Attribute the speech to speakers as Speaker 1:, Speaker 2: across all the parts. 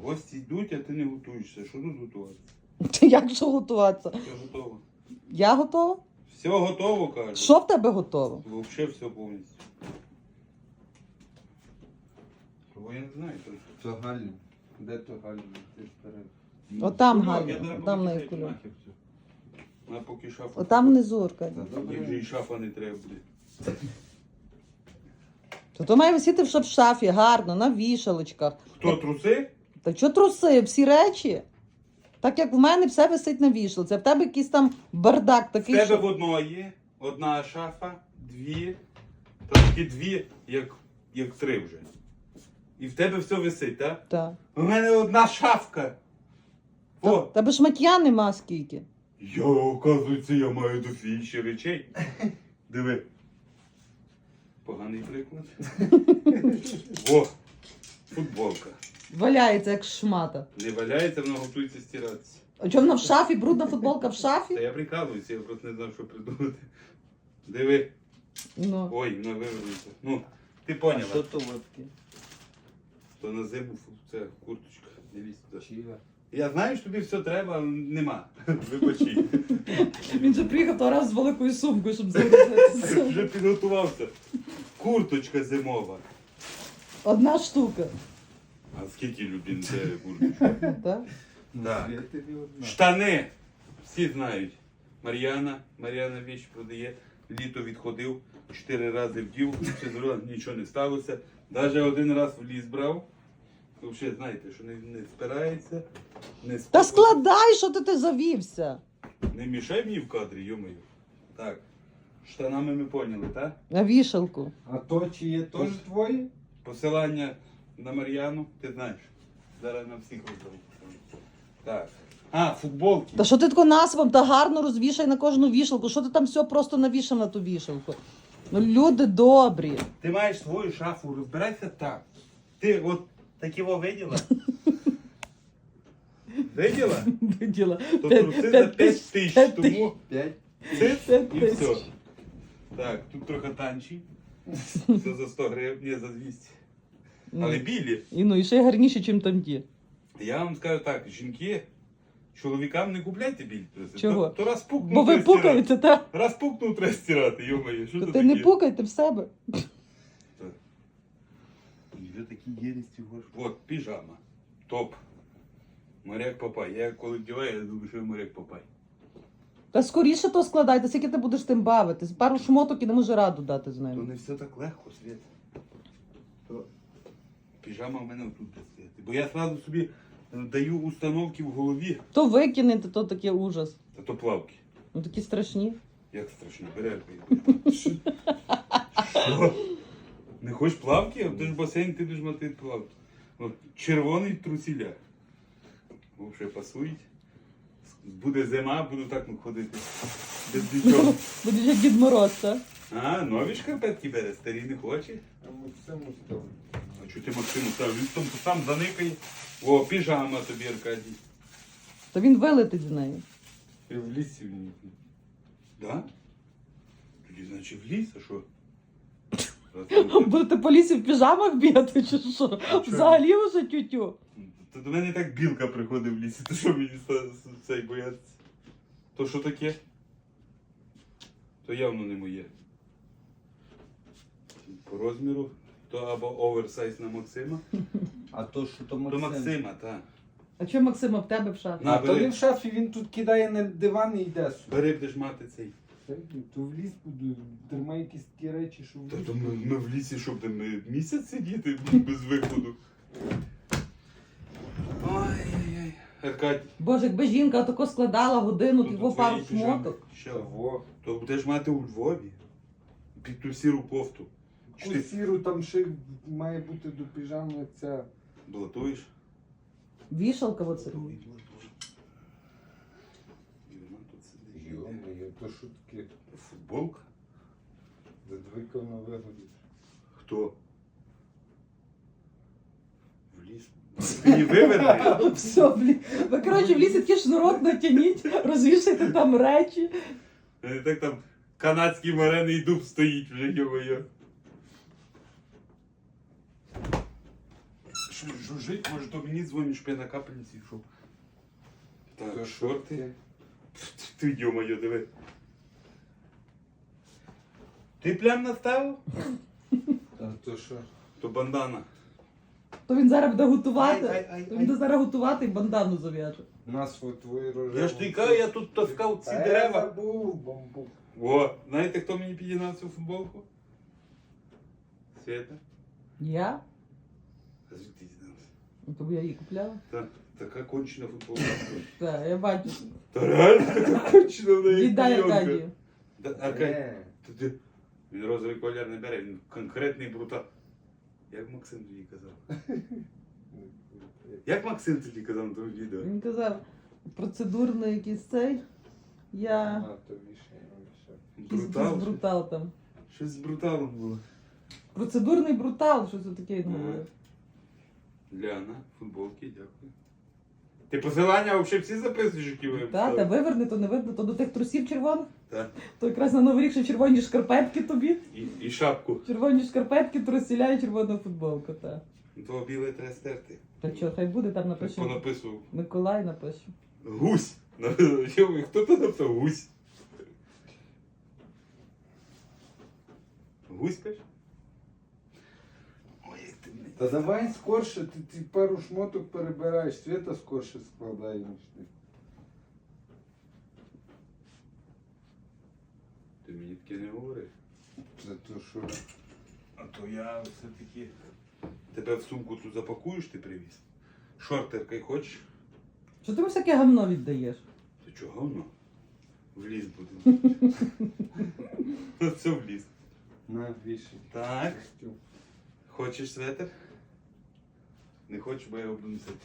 Speaker 1: Гості йдуть, а ти не готуєшся. Що тут готуватися?
Speaker 2: Як що готуватися?
Speaker 1: Все готово.
Speaker 2: Я готова?
Speaker 1: Все готово, кажу.
Speaker 2: Що в тебе готово?
Speaker 1: Взагалі все повністю. Того я не знаю.
Speaker 3: Це Галін. Де то Галін? Ти ж перед.
Speaker 2: Отам
Speaker 1: Я
Speaker 2: Галя,
Speaker 1: зараз
Speaker 2: там на
Speaker 1: поки
Speaker 2: яку.
Speaker 1: нахер все. На поки шафа.
Speaker 2: Отам внизу, Аркадій.
Speaker 3: Та
Speaker 1: Як же
Speaker 3: добре.
Speaker 1: і шафа не треба буде.
Speaker 2: То має висіти в шафі, гарно, на вішалочках.
Speaker 1: Хто, труси?
Speaker 2: Та що труси, всі речі? Так як в мене все висить на вішалці, а в тебе якийсь там бардак
Speaker 1: В
Speaker 2: такий,
Speaker 1: тебе в
Speaker 2: що...
Speaker 1: одного є одна шафа, дві, трошки дві, як три вже. І в тебе все висить, так?
Speaker 2: Так.
Speaker 1: У мене одна шафка.
Speaker 2: Та,
Speaker 1: О!
Speaker 2: тебе шмаття нема скільки.
Speaker 1: Я, оказується, я маю дофіг речей. Диви. Поганий приклад. О! Футболка.
Speaker 2: Валяється, як шмата.
Speaker 1: Не валяється, вона готується стиратися.
Speaker 2: А чому вона в шафі? Брудна футболка в
Speaker 1: Та
Speaker 2: шафі?
Speaker 1: я прикалуюся, я просто не знав, що придумати. Диви.
Speaker 2: Ну.
Speaker 1: Ой, вона вивернуться. Ну, ти
Speaker 3: А
Speaker 1: поняла.
Speaker 3: що то таке?
Speaker 1: То на зиму це курточка. Не лізь туди.
Speaker 3: Чия?
Speaker 1: Я знаю, що тобі все треба, але нема. Вибачи.
Speaker 2: Він же приїхав того раз з великою сумкою, щоб загрузитися.
Speaker 1: Вже підготувався. Курточка зимова.
Speaker 2: Одна штука.
Speaker 1: А скільки людей це курточка?
Speaker 2: Так?
Speaker 1: Так.
Speaker 3: Я тобі одна.
Speaker 1: Штани. Всі знають. Мар'яна віч продає. Літо відходив, 4 рази вдів, все зробила, нічого не сталося. Навіть один раз в ліс брав. Ви взагалі знаєте, що не спирається, не
Speaker 2: Та
Speaker 1: спокійно.
Speaker 2: складай, що ти завівся.
Speaker 1: Не мішай мені в кадрі, йомаю. Так. Штанами ми поняли, так?
Speaker 2: На вішалку.
Speaker 3: А то чи є теж твої?
Speaker 1: Посилання на Мар'яну, ти знаєш. Зараз на всіх роздав. Так. А, футболки.
Speaker 2: Та що ти тако насвом та гарно розвішай на кожну вішалку? Що ти там все просто навішав на ту вішалку? Ну, люди добрі.
Speaker 1: Ти маєш свою шафу, розбирайся так. Ти от такого виділа? Виділа?
Speaker 2: Виділа.
Speaker 1: То труси за 5 тисяч, тому
Speaker 3: 5.
Speaker 1: цит
Speaker 2: П'ять
Speaker 1: і
Speaker 2: тисяч.
Speaker 1: все. Так, тут трохи танчі. Все за 100 гривень, ні, за 200. Але білі.
Speaker 2: І ну, і ще й гарніше, ніж там ті.
Speaker 1: Я вам скажу так, жінки, чоловікам не купляйте білі труси.
Speaker 2: Чого?
Speaker 1: То раз пукнув,
Speaker 2: Бо ви
Speaker 1: треба стирати.
Speaker 2: пукаєте, так?
Speaker 1: Раз пукнув, треба стирати, йомає. Що
Speaker 2: То
Speaker 1: це
Speaker 2: ти
Speaker 1: таке?
Speaker 2: не пукайте в себе.
Speaker 1: І вже такі єдності горш. От, піжама. Топ. Моряк Папай. Я коли вдіваю, я думаю, що я моряк Папай.
Speaker 2: Та скоріше то складайте, скільки ти будеш тим бавитись. Пару шмоток і не може раду дати з
Speaker 1: То
Speaker 2: ними.
Speaker 1: не все так легко, Світ. То піжама в мене отут буде стояти. Бо я одразу собі даю установки в голові.
Speaker 2: То викинете, то таке ужас.
Speaker 1: Та то плавки.
Speaker 2: Ну такі страшні.
Speaker 1: Як страшно, бери. Що? Не хочеш плавки? А ти ж басейн, ти будеш мати плавки. От, червоний трусіля. Взагалі пасують. Буде зима, буду так ходити. Без нічого.
Speaker 2: Будеш як Дід Мороз, так?
Speaker 1: А, нові шкарпетки бере, старі не хоче.
Speaker 3: А Максиму став.
Speaker 1: А чого ти Максиму став? Він там сам заникає. О, піжама тобі, Аркадій.
Speaker 2: То він вилетить з нею.
Speaker 1: І в лісі він. Да? Тоді, значить, в ліс, а що?
Speaker 2: Будете по лісі в піжамах бігати, чи що? Взагалі вже тютю.
Speaker 1: То до мене так білка приходить в лісі, то що мені цей бояться? То що таке? То явно не моє. По розміру, то або оверсайз на Максима.
Speaker 3: А то що то
Speaker 1: До
Speaker 3: Максим?
Speaker 1: Максима, так.
Speaker 2: А чого Максима в тебе в шафі?
Speaker 1: На,
Speaker 3: А то
Speaker 1: бери.
Speaker 3: не в шафі, він тут кидає на диван і йде сюди.
Speaker 1: Бери, будеш мати цей.
Speaker 3: То в ліс буду, тримай якісь такі речі, що в
Speaker 1: Та
Speaker 3: ліс.
Speaker 1: то ми в лісі, щоб там місяць сидіти без виходу. Ой-ой-ой. Аркадій.
Speaker 2: Боже, якби жінка тако складала годину,
Speaker 1: то
Speaker 2: його
Speaker 1: твої
Speaker 2: пару
Speaker 1: піжами.
Speaker 2: шмоток.
Speaker 1: Що?
Speaker 3: Того.
Speaker 1: То будеш мати у Львові. Під ту сіру кофту. Чи ти
Speaker 3: Сіру там ще має бути до піжами ця.
Speaker 1: блатуєш?
Speaker 2: Вішалка оце.
Speaker 1: І вона тут сидить.
Speaker 3: Йо-моє, то що таке?
Speaker 1: Футболка?
Speaker 3: Задвикав на вигоді.
Speaker 1: Хто? В ліс. Ти її виверни.
Speaker 2: Все, блін. Ви, коротше, в лісі такий шнурок натягніть, розвішайте там речі.
Speaker 1: Так там канадський морений дуб стоїть вже, йо-моє. жужжить, може то мені дзвонить, щоб я на капельниці йшов. Так, шорти. Ти йо-моє, диви. Ти плям наставив?
Speaker 3: А то що?
Speaker 1: То бандана.
Speaker 2: То він зараз буде готувати.
Speaker 1: Ай.
Speaker 2: То він буде зараз готувати і бандану зав'яже.
Speaker 3: Нас от твої рожеві.
Speaker 1: Я ж тобі кажу, я тут таскав ці
Speaker 3: Та я
Speaker 1: дерева.
Speaker 3: забув, бамбук.
Speaker 1: О, знаєте, хто мені підігнав цю футболку? Света?
Speaker 2: Я?
Speaker 1: А звідти дізнався?
Speaker 2: Тому я її купляла.
Speaker 1: Та, така кончена футболка.
Speaker 2: Так, я бачу.
Speaker 1: Та реально така кончена в неї.
Speaker 2: Віддай
Speaker 1: клейонка.
Speaker 2: Аркадію.
Speaker 1: Аркадій, він розовий колір не бере, він конкретний брутал. Як Максим тоді казав? Як Максим тоді казав на тому відео?
Speaker 2: Він казав, процедурний якийсь цей. Я
Speaker 3: А, то вішає.
Speaker 2: якийсь
Speaker 1: Брутал?
Speaker 2: брутал там.
Speaker 1: Щось з бруталом було.
Speaker 2: Процедурний брутал, що це таке він говорив.
Speaker 1: Ляна, футболки, дякую. Ти посилання взагалі всі записуєш, які ви
Speaker 2: Так, та виверни, то не видно, то до тих трусів червоних.
Speaker 1: Так.
Speaker 2: То якраз на Новий рік ще червоні шкарпетки тобі.
Speaker 1: І шапку.
Speaker 2: Червоні шкарпетки, трусіля і червона футболка, так.
Speaker 1: Того біле треба стерти.
Speaker 2: Та що, хай буде, там
Speaker 1: Так
Speaker 2: напишемо.
Speaker 1: понаписував.
Speaker 2: Миколай напишу.
Speaker 1: Гусь. Хто то написав? Гусь. Гусь кажеш? Ой, як ти мене.
Speaker 3: Та давай скорше, ти пару шмоток перебираєш, Света скорше складає, ніж ти.
Speaker 1: Ти мені таке не говори.
Speaker 3: Це то що?
Speaker 1: А то я все-таки... Тебе в сумку тут запакуєш, ти привіз? Шортеркой хочеш?
Speaker 2: Що ти всяке гавно віддаєш?
Speaker 1: Ти чого говно? В ліс будемо. Ну все в ліс.
Speaker 3: На, вішай.
Speaker 1: Так.
Speaker 3: Костюм.
Speaker 1: Хочеш светр? Не хочеш, бо я його буду носити.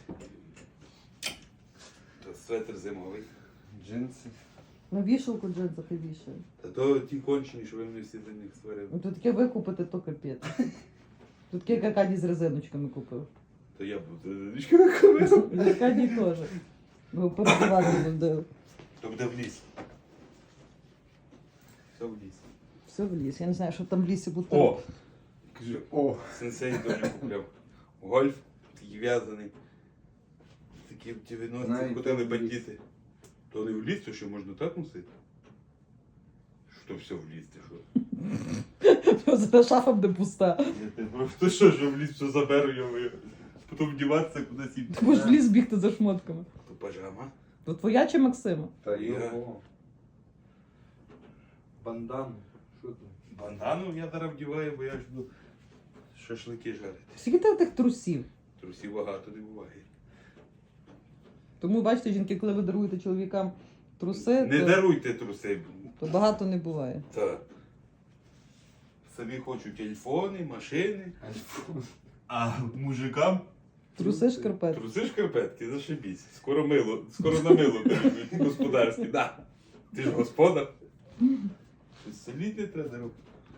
Speaker 1: То светр зимовий.
Speaker 3: Джинси.
Speaker 2: На вішалку джинсах і вішає.
Speaker 1: Та то ті кончені, що ви мене всі за них сварили.
Speaker 2: Ну то таке викупити, то капець. Тут таке як Аркадій з резиночками купив.
Speaker 1: То я буду задачки виконувати.
Speaker 2: І Аркадій теж. Ми передавати будемо.
Speaker 1: То буде в ліс. Все в ліс.
Speaker 2: Все в ліс. Я не знаю, що там в лісі буде.
Speaker 1: О! Кажи,
Speaker 3: О,
Speaker 1: сенсей Доню купляв. Гольф, такий в'язаний. Такі в 90-х
Speaker 3: Навіть
Speaker 1: ходили
Speaker 3: там в ліс.
Speaker 1: бандити. То не в ліс, то що можна так носити? Що все в ліс, ти що?
Speaker 2: Зараз шафа буде пуста.
Speaker 1: То що в ліс все заберу його. Потім вдіватися кудись і...
Speaker 2: Ти будеш в ліс бігти за шмотками.
Speaker 1: То пажама.
Speaker 2: То твоя чи Максима?
Speaker 3: та
Speaker 1: Я.
Speaker 3: його. Бандану. Що там?
Speaker 1: Бандану я зараз вдіваю, бо я ж буду шашлики жарити.
Speaker 2: Скільки ти тих трусів?
Speaker 1: Трусів багато не буває.
Speaker 2: Тому бачите, жінки, коли ви даруєте чоловікам труси,
Speaker 1: Не
Speaker 2: то,
Speaker 1: даруйте труси.
Speaker 2: то багато не буває.
Speaker 1: Так. Собі хочу телефони, машини, а мужикам
Speaker 2: Труси шкарпетки.
Speaker 1: труси шкарпетки, зашибісь. Скоро на мило перейдуть господарські. Да. Ти ж господар. Щось солідне треба зробити.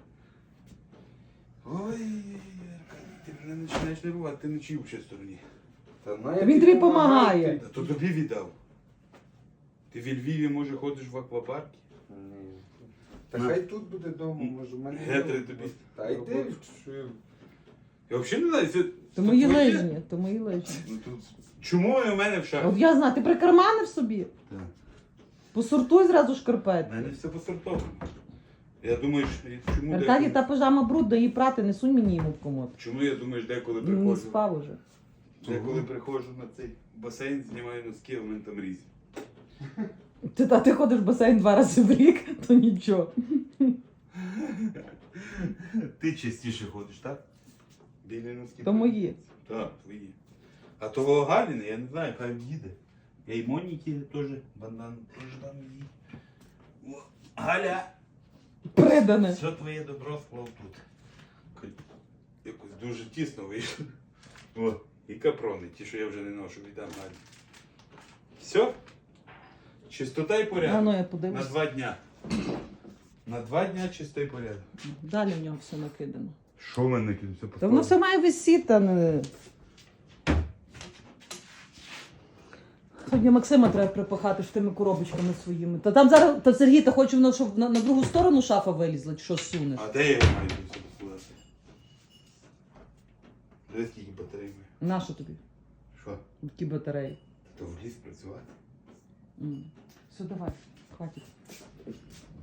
Speaker 1: Ой, Аркадій, ти мене починаєш нервувати, ти не чий в стороні.
Speaker 3: Та
Speaker 2: Та він тобі помагає.
Speaker 1: Та то тобі віддав. Ти в Львіві, може, ходиш в аквапарки?
Speaker 3: Ні. Та
Speaker 1: Ну.
Speaker 3: хай тут буде вдома, може в мене.
Speaker 1: Гетри тобі.
Speaker 3: Та йди, що
Speaker 1: Я взагалі не знаю, це...
Speaker 2: То мої
Speaker 1: твоє?
Speaker 2: лижні, то мої лижні.
Speaker 1: Ну, тут... Чому вони в мене в
Speaker 2: От
Speaker 1: шахті?
Speaker 2: я знаю, ти прикарманив собі.
Speaker 1: Так.
Speaker 2: Посортуй зразу
Speaker 1: У
Speaker 2: шкарпетки.
Speaker 1: мене все посортовано. Я думаю, чому
Speaker 2: Аркадій,
Speaker 1: деколи...
Speaker 2: та пижама брудна, її прати, не сунь мені йому в комод.
Speaker 1: Чому я думаю, деколи
Speaker 2: Він не
Speaker 1: приходжу...
Speaker 2: спав уже.
Speaker 1: Деколи приходжу на цей басейн, знімаю носки, а в мене там різь.
Speaker 2: Ти ходиш в басейн 2 рази в рік, то нічого.
Speaker 1: Ти частіше ходиш, так? Білі носки.
Speaker 2: То мої.
Speaker 1: Так, твої. А того Галіни, я не знаю, хай їде. Я й Моніки теж бандан теж там її. О, Галя!
Speaker 2: Придане.
Speaker 1: Все твоє добро склав тут. Якось дуже тісно вийшло. О, і капрони, ті, що я вже не ношу, віддам Галі. Все? Чистота і
Speaker 2: А
Speaker 1: порядок.
Speaker 2: ну я
Speaker 1: На
Speaker 2: подивлюсь.
Speaker 1: 2 дня. На 2 дня чистий порядок.
Speaker 2: Далі в нього все накидано.
Speaker 1: Що в мене все
Speaker 2: Та воно все має висіти, а не... Сьогодні Максима треба припахати ж тими коробочками своїми. Та там зараз, та Сергій, та хоче воно, щоб на другу сторону шафа вилізла, чи що сунеш?
Speaker 1: А де я його маю все поскладати? Дивись, скільки батарей має.
Speaker 2: На що тобі?
Speaker 1: Що?
Speaker 2: Такі батареї.
Speaker 1: То в ліс працювати?
Speaker 2: Все, давай, хватить.